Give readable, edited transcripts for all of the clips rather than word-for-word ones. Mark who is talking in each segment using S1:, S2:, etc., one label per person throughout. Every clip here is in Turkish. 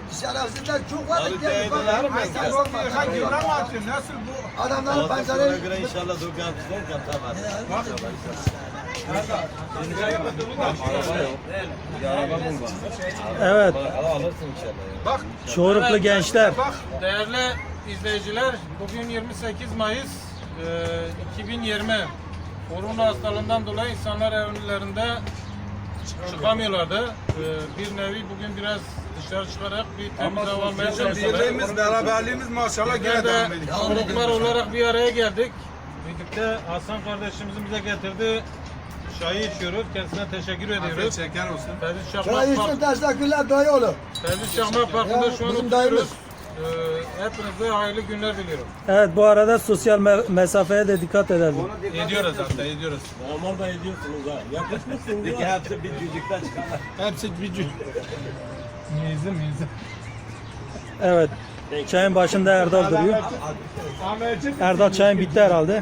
S1: Şerefsizler çok var.
S2: Abi değdiler mi?
S1: Sen korkma.
S3: Nasıl bu?
S1: Adamların
S2: Ona
S1: pencereleri...
S2: göre inşallah dükkan tutarken tamam.
S4: Evet,
S2: Alırsın inşallah.
S3: Bak,
S4: şuurlu gençler.
S3: bak değerli izleyiciler, bugün 28 Mayıs 2020. Korona hastalığından dolayı insanlar evlerinde çıkamıyorlardı. Bir nevi bugün biraz dışarı çıkarak bir temiz hava almaya çalıştık.
S5: Birliğimiz, beraberliğimiz maşallah
S3: Biz
S5: gene
S3: de
S5: devam ediyor.
S3: gruplar olarak bir araya geldik. Birlikte Hasan kardeşimizin bize getirdiği çayı içiyoruz. Kendisine teşekkür
S5: Afiyet
S3: ediyoruz.
S5: şeker olsun.
S3: Ferdi
S1: Çay
S3: Çakmak
S1: için teşekkürler dayı oğlum.
S3: Ferdi Çakmak Parkı'nda şu an
S1: bizim
S3: oturuyoruz.
S1: dayımız.
S3: Hepinize hayırlı günler diliyorum.
S4: Evet, bu arada sosyal mesafeye de dikkat edelim.
S5: Ediyoruz hatta ediyoruz.
S2: Normal da ediyorsunuz ha. Yakışmışsınız ya. Hepsi bir cücükten çıkarlar.
S5: Hepsi bir cüc. Mizi.
S4: Evet, çayın başında Erdal duruyor. Erdal çayın bitti herhalde.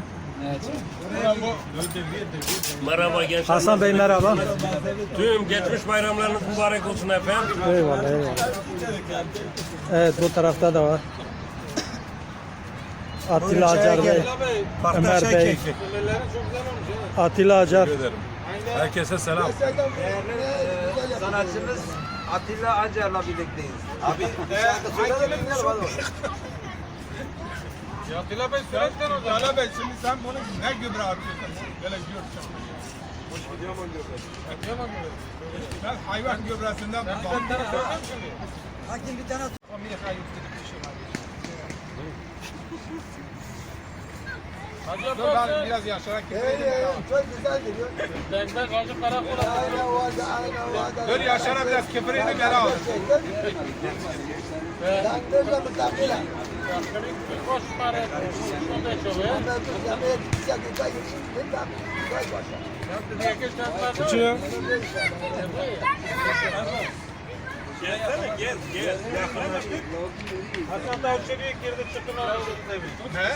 S6: Merhaba gençler.
S4: Hasan Bey merhaba.
S6: Tüm geçmiş bayramlarınız mübarek olsun efendim.
S4: Eyvallah, eyvallah. Evet, bu tarafta da var. Atilla Acar Bey, Ömer Bey, Atilla Acar.
S5: Herkese selam.
S7: Sanatçımız Atilla Acar'la birlikteyiz.
S2: Abi
S3: Ya Atilla Bey sürekli o zaman.
S5: Hala Bey şimdi sen bunu ne gübre atıyorsun? Böyle göreceğim. Ben hayvan gübresinden bağımlıyım.
S1: Hakim bir tane...
S3: Hacı
S5: Dur ben
S3: Abbas,
S5: biraz yaşarak
S1: Hey,
S5: gideyim.
S1: çok güzel geliyor.
S3: Benden Hacı Karakola.
S1: Aynen vardı, aynen vardı.
S5: Dur Yaşar'a biraz küfürünü geri al.
S1: Ben böyle mutlaka.
S3: Koş para. Şunu da çalıyor.
S1: Ben bu yemeğe gidecek, gidecek, gidecek.
S5: Küçüğüm.
S6: Gelsene gel.
S3: Hasan da içeriye girdi çıkın
S5: Ne?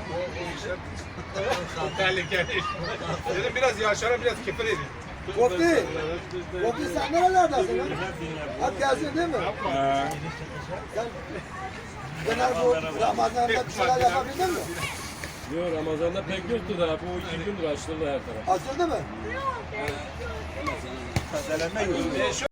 S5: Tehlikeli. Dedim biraz Yaşar'a biraz küfür edin.
S1: Kopti. Kopti sen nerelerdesin lan? Hep geldin değil mi? Sen genel bu Ramazan'da bir şeyler yapabildin mi?
S6: Yok Ramazan'da pek yoktu da bu 2 gündür açıldı her taraf.
S1: Açıldı mı?